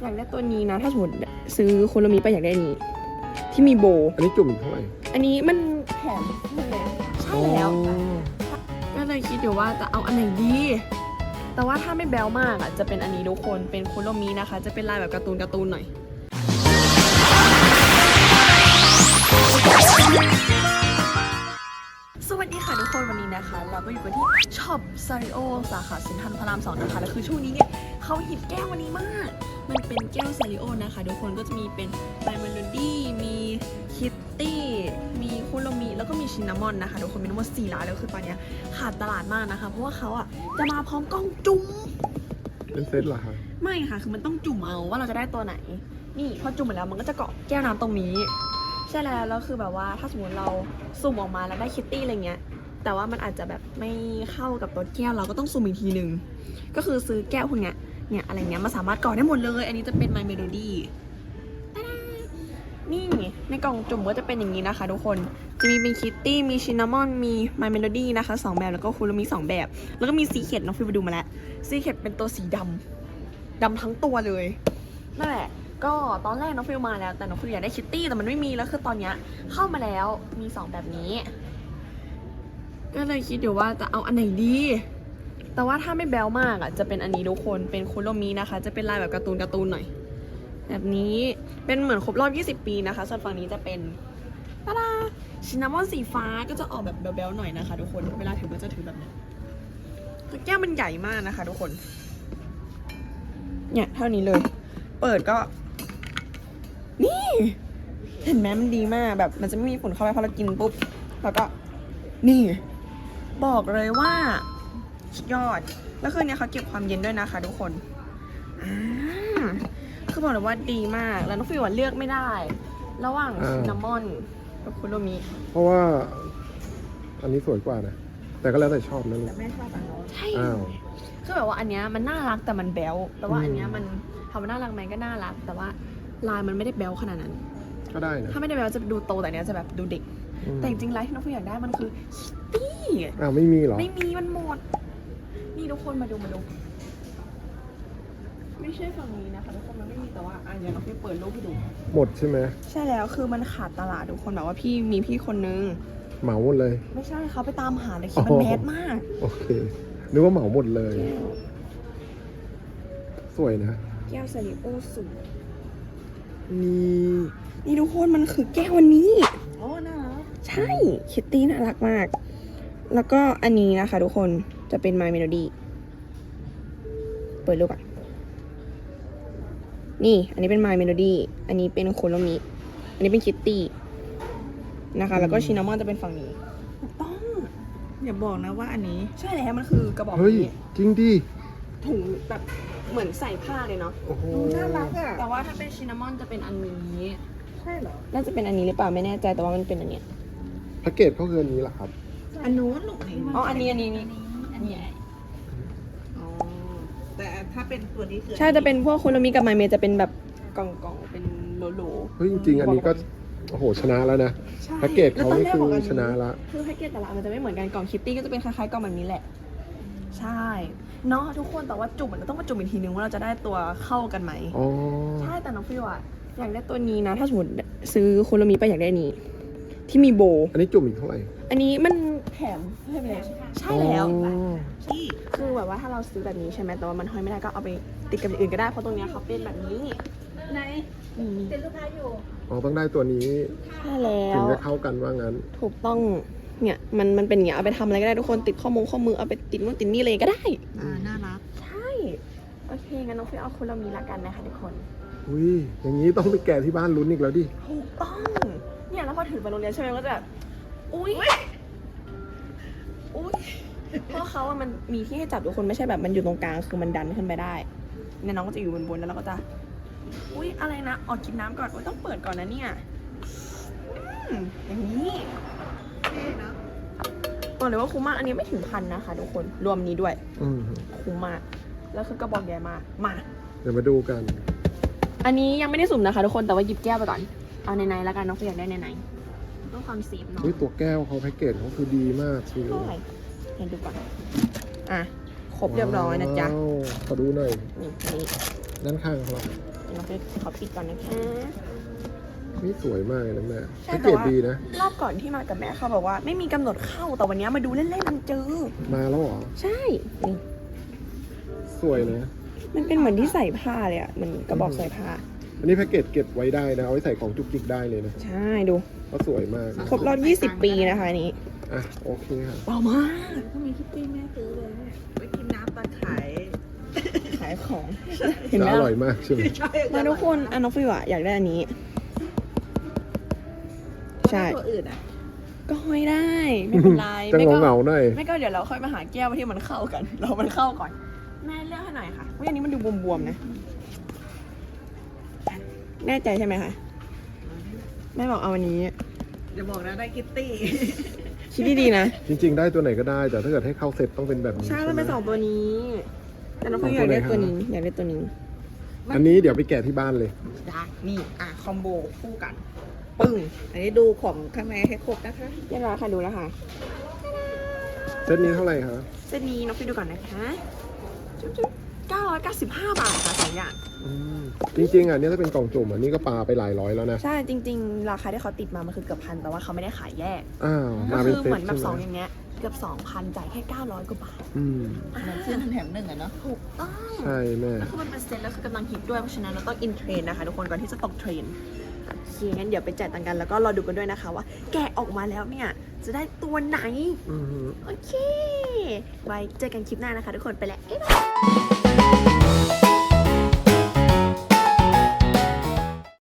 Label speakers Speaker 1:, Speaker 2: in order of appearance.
Speaker 1: อยากได้ตัวนี้นะถ้าสมมติซื้อโคโลมิไปอยากได้อันนี้ที่มีโบ
Speaker 2: อันนี้จุ่มอีกเท่าไหร่
Speaker 1: อันนี้มันแถมเลยใช่แล้วก็เลยคิดอยู่ว่าจะเอาอันไหนดีแต่ว่าถ้าไม่แบวมากอ่ะจะเป็นอันนี้ทุกคนเป็นโคโลมินะคะจะเป็นลายแบบการ์ตูนหน่อยสวัสดีค่ะทุกคนวันนี้นะคะเราก็อยู่กันที่ช็อปซาริโอสาขาเซ็นทรัลพระราม 2นะคะแล้วคือช่วงนี้เนี่ยเขาฮิตแก้ววันนี้มากมันเป็นแก้วซาริโอนะคะทุกคนก็จะมีเป็นไบเมโลดี้มีคิตตี้มีคุโรมิแล้วก็มีชินนามอนนะคะทุกคนมีทั้งหมด4ร้านแล้วคือตอนนี้ขาดตลาดมากนะคะเพราะว่าเขาอ่ะจะมาพร้อมกล้องจุ่ม
Speaker 2: เป็นเซตเหรอคะ
Speaker 1: ไม่ค่ะคือมันต้องจุ่มเอาว่าเราจะได้ตัวไหนนี่พอจุ่มไปแล้วมันก็จะเกาะแก้วน้ำตรงนี้ใช่แล้วคือแบบว่าถ้าสมมติเราสุ่มออกมาแล้วได้คิตตี้อะไรเงี้ยแต่ว่ามันอาจจะแบบไม่เข้ากับตัวแก้วเราก็ต้องสุ่มอีกทีนึงก็คือซื้อแก้วพวกเนี้ยเนี่ยอะไรเงี้ยมาสามารถเกาะได้หมดเลยอันนี้จะเป็น My Melody นี่ในกล่องจุ่มก็จะเป็นอย่างนี้นะคะทุกคนจะมีเป็นคิตตี้มีชินนามอนมี My Melody นะคะ2แบบแล้วก็คุโรมิ2แบบแล้วก็มีซีเคร็ตน้องฟิวไปดูมาแล้วซีเคร็ตเป็นตัวสีดำทั้งตัวเลยนั่นแหละก็ตอนแรกน้องฟิวมาแล้วแต่น้องฟิวอยากได้คิตตี้แต่มันไม่มีแล้วคือตอนเนี้ยเข้ามาแล้วมี2แบบนี้ก็เลยคิดอยู่ว่าจะเอาอันไหนดีแต่ว่าถ้าไม่แบวมากอ่ะจะเป็นอันนี้ทุกคนเป็นคุโรมินะคะจะเป็นลายแบบการ์ตูนหน่อยแบบนี้เป็นเหมือนครบรอบ20 ปีนะคะส่วนฝั่งนี้จะเป็นตาดาชินนามอนสีฟ้าก็จะออกแบบแบวๆหน่อยนะคะทุกคนเวลาถือก็จะถือแบบนี้คือแก้วมันใหญ่มากนะคะทุกคนเนี่ยเท่านี้เลยเปิดก็นี่เห็นไหมมันดีมากแบบมันจะไม่มีฝุ่นเข้าไปพอเรากินปุ๊บแล้วก็นี่บอกเลยว่าสุดยอดแล้วคืนนี้เขาเก็บความเย็นด้วยนะคะทุกคนคือบอกเลยว่าดีมากแล้วน้องฟิวเลือกไม่ได้ ระหว่างชินนามอนกับคุโรมิ
Speaker 2: เพราะว่าอันนี้สวยกว่านะแต่ก็แล้วแต่ชอบนะลูก
Speaker 1: แต่แม่ชอบอันนู้นใช่
Speaker 2: อ้าว
Speaker 1: คือแบบว่าอันเนี้ยมันน่ารักแต่มันแบ๊วแต่ว่าอันเนี้ยมันทำมันน่ารักไหมก็น่ารัก แต่ว่าลายมันไม่ได้แบ๊วขนาดนั้น
Speaker 2: ก็ได้นะ
Speaker 1: ถ้าไม่ได้แบ๊วจะดูโตแต่เนี้ยจะแบบดูเด็กแต่จริงๆลายที่น้องฟิวอยากได้มันคือคิตตี้
Speaker 2: อ้าวไม่มีเหรอ
Speaker 1: ไม่มีมันหมดนี่ทุกคนมาดูไม่ใช่ฝั่งนี้นะคะทุกคนมันไม่มีแต่ว่าอันนี้น้องฟิวเปิดรูปให้ดู
Speaker 2: หมดใช่ไหม
Speaker 1: ใช่แล้วคือมันขาดตลาดทุกคนแบบว่าพี่คนนึง
Speaker 2: เหมาหมดเลย
Speaker 1: ไม่ใช่เขาไปตามหาเลยคิดมันแมสมาก
Speaker 2: โอเคนึกว่าเหมาหมดเลย สวยนะ
Speaker 1: แก้วซาริโอสูง
Speaker 2: นี่
Speaker 1: นี่ทุกคนมันคือแก้ววันนี้
Speaker 3: โอ้น่ารัก
Speaker 1: ใช่คิตตี้น่ารักมาก แล้วก็อันนี้นะคะทุกคนจะเป็น My Melody เปิดรูปก่อนนี่อันนี้เป็น My Melody อันนี้เป็นโคโลมิอันนี้เป็นคิตตี้นะคะแล้วก็ชินนามอนจะเป็นฝั่งนี้ถูกต้อง
Speaker 3: อย่าบอกนะว่าอันนี้
Speaker 1: ใช่แล้วมันคือกระบอก
Speaker 2: เฮ้ย
Speaker 1: นี้
Speaker 2: จริงดิ
Speaker 1: ถุงแบบเหมือนใส่ผ้าเลยเนาะ
Speaker 2: โอ้โห
Speaker 3: น่ารักอ่ะ
Speaker 1: แต่ว่าถ้าเป็นชินนามอนจะเป็นอันนี้
Speaker 3: ใช่เหรอ
Speaker 1: น่าจะเป็นอันนี้หรือเปล่าไม่แน่ใจแต่ว่ามันเป็นอันเนี้ย
Speaker 2: แพ็กเกจเขาคืออันนี้เหรอครับ
Speaker 3: อันนู้นหนูเห็น
Speaker 1: อ๋ออันนี้นี่
Speaker 3: อันใหญ่อ๋อแต่ถ้าเป็นตัวนี้คือ
Speaker 1: ใช่จะเป็นพวกคุโรมิกับไมเมจะเป็นแบบกล่องๆเป็นโหลๆ
Speaker 2: เฮ้ยจริงๆอันนี้ก็โอ้โหชนะแล้วนะ
Speaker 1: ใช่
Speaker 2: แพ็กเกจเขานี่คือชนะละ
Speaker 1: คือแพ็กเกจแต่ละอันมันจะไม่เหมือนกันกล่องคิตตี้ก็จะเป็นคล้ายๆกล่องแบบนี้แหละใช่เนาะทุกคนแต่ว่าจุ่มมันต้องมาจุ่มอีกทีนึงว่าเราจะได้ตัวเข้ากันไหม
Speaker 2: อ๋อ
Speaker 1: ใช่แต่น้องฟิวอะอยากได้ตัวนี้นะถ้าสมมติซื้อโคโรมิไปอยากได้อันนี้ที่มีโบ
Speaker 2: อันนี้จุ่มอีกเท่าไหร่
Speaker 1: อันนี้มันแถมให้ไปเลยใช่แล้ว
Speaker 2: อ๋อ
Speaker 3: ที่
Speaker 1: คือแบบว่าถ้าเราซื้อแบบนี้ใช่ไหมแต่ว่ามันห้อยไม่ได้ก็เอาไปติดกับอย่างอื่นก็ได้เพราะตรงเนี้ยเขาเป็นแบบนี้
Speaker 3: ไหน
Speaker 1: อืม
Speaker 3: เป็นลูกค้าอยู่
Speaker 2: อ๋อต้องได้ตัวนี้
Speaker 1: ใช่แล้
Speaker 2: ถึง
Speaker 1: ว
Speaker 2: จะเข้ากันว่างั้น
Speaker 1: ถูกต้องเนี่ยมันเป็นอย่างเงี้ยเอาไปทำอะไรก็ได้ทุกคนติดข้อมือเอาไปติดนู่นติดนี่เลยก็ได้
Speaker 3: น่ารัก
Speaker 1: ใช่โอเคงั้นน้องฟิวเอาคนเรามีละกันนะคะทุกคน
Speaker 2: อุ้ยอย่างนี้ต้องไปแกะที่บ้านลุ้นอีกแล้วดิ
Speaker 1: ถูกต้องเนี่ยแล้วพอถือไปโรงเรียนใช่ไหมก็จะแบบอุ้ยเพราะเขาอะมันมีที่ให้จับทุกคนไม่ใช่แบบมันอยู่ตรงกลางคือมันดันขึ้นไปได้เนี่ยน้องก็จะอยู่บนแล้วเราก็จะอุ้ยอะไรนะออกกินน้ำก่อนต้องเปิดก่อนนะเนี่ยอย่างนี้
Speaker 3: เท่นะ
Speaker 1: บอกเลยว่าคุ้มมากอันนี้ไม่ถึง1,000นะคะทุกคนรวมนี้ด้วย
Speaker 2: อืม
Speaker 1: คุ้มมากแล้วคือกระบอกใหญ่มากมา
Speaker 2: เดี๋ยวมาดูกัน
Speaker 1: อันนี้ยังไม่ได้สุ่มนะคะทุกคนแต่ว่าหยิบแก้วไปก่อนเอาในๆแล้วกันน้องฟิวอยากได้ในๆต้องความเซฟเนาะ
Speaker 2: เฮ้ยตัวแก้วเขาแพ็กเกจเขาคือดีมากชิว
Speaker 1: เท่าไหร่เห็นดูก่อนอ่ะครบเรียบร้อยนะจ๊ะ
Speaker 2: ว้าวขอดูหน่อย
Speaker 1: นี่
Speaker 2: ด้านข้างเขา
Speaker 1: นน้องฟิวขอปิดก่อนนะคะ
Speaker 2: นี่สวยมากเลยนะแม่
Speaker 1: ใช่
Speaker 2: แพ็ก
Speaker 1: แต่
Speaker 2: เกจ
Speaker 1: ว่า
Speaker 2: ดีนะ
Speaker 1: รอบก่อนที่มากับแม่เขาบอกว่าไม่มีกำหนดเข้าแต่วันนี้มาดูเล่นๆมันเจอ
Speaker 2: มาแล้วเหรอ
Speaker 1: ใช่นี่
Speaker 2: สวยนะ
Speaker 1: มันเป็นเหมือนที่ใส่ผ้าเลยอ่ะเหมือนกระบอกใส่ผ้า
Speaker 2: อันนี้แพ็กเกจเก็บไว้ได้นะ เอาไว้ใส่ของจุกจิกได้เลยนะ
Speaker 1: ใช่ดู
Speaker 2: เพราะสวยมาก
Speaker 1: ครบรอบ 20 ปีนะคะอันนี้
Speaker 2: อ่ะโอเคค่ะ
Speaker 1: เบามาก
Speaker 3: ถ้ามีคิตตี้แม่ซื้อเลยเนี่ยไว้กินน้ำตอนขาย
Speaker 1: ขายของ เห็นไหม
Speaker 2: จะอร่อยมากใช่ไหม
Speaker 3: ใช่
Speaker 1: มาทุกคนอันน้องฟิวอะอยากได้อันนี้ ใช่
Speaker 3: ตัวอื่นอ่ะ
Speaker 1: ก็ห้อยได้ ไม่เป็นไร
Speaker 2: จะ
Speaker 1: ไม่
Speaker 2: ง
Speaker 1: ก็
Speaker 2: เหงาๆหน่อย
Speaker 1: ไม่ก็เดี๋ยวเราค่อยมาหาแก้วที่มันเข้ากัน เรามันเข้าก่อน แม่เลือกให้หน่อยค่ะว่าอันนี้มันดูบวมๆนะ แน่ใจใช่ไหมคะ แม่บอกเอาอันนี้
Speaker 3: อย่าบอกนะได้คิตตี้
Speaker 1: คิดดีๆนะ
Speaker 2: จริงๆ ได้ตัวไหนก็ได้ แต่ถ้าเกิดให้เข้าเซ็ตต้องเป็นแบบนี้
Speaker 1: ใช่มันเป็น
Speaker 2: ไห
Speaker 1: 2 ตัวนี้ แต่น้องฟิวอยากได้ตัวนี้ อยากได้ตัวนี้
Speaker 2: อันนี้เดี๋ยวไปแกะที่บ้านเลย
Speaker 1: ได้นี่คอมโบคู่กัน ปึ้ง
Speaker 3: อันนี้ดูของข้างในให้ครบนะคะ
Speaker 1: เรียบร้อยค่ะดูแล้วค่ะ
Speaker 2: เซตนี้เท่าไหร่คะ
Speaker 1: เซตนี้น้องฟิวดูก่อนนะคะจุ๊บๆ995 บาทค่ะ2อย่าง
Speaker 2: อืมจริงๆอ่ะเนี่ยถ้าเป็นกล่องจุ่มอันนี้ก็ปาไปหลายร้อยแล้วนะ
Speaker 1: ใช่จริงๆ ราคาที่เขาติดมามันคือเกือบพันแต่ว่าเขาไม่ได้ขายแยก
Speaker 2: อ้าว
Speaker 1: ก็
Speaker 2: มาเป็น
Speaker 1: คือ
Speaker 2: เซ็ต
Speaker 1: เหมือนแบบ
Speaker 2: ใช่
Speaker 1: 2
Speaker 2: ไหม
Speaker 1: อย่างเงี้ยเกือบ 2,000จ่ายแค่900 กว่าบาท
Speaker 2: อืม
Speaker 3: เหมือนซื้อแถมหนึ่งอะเนาะ
Speaker 1: ถูกต้อง
Speaker 2: ใช่แม่
Speaker 1: แล้วคือมันเป็นเซ็ตแล้วคือกำลังฮิตด้วยเพราะฉะนั้นเราต้องอินเทรนนะคะทุกคนก่อนที่จะตกเทรนโอเคงั้นเดี๋ยวไปจ่ายตังค์กันแล้วก็รอดูกันด้วยนะคะว่าแกะออกมาแล้วเนี่ยจะได้ตัวไหน
Speaker 2: อือหือ
Speaker 1: โอเค ไว้เจอกันคลิปหน้านะคะทุกคนไปแล้วบ๊ายบาย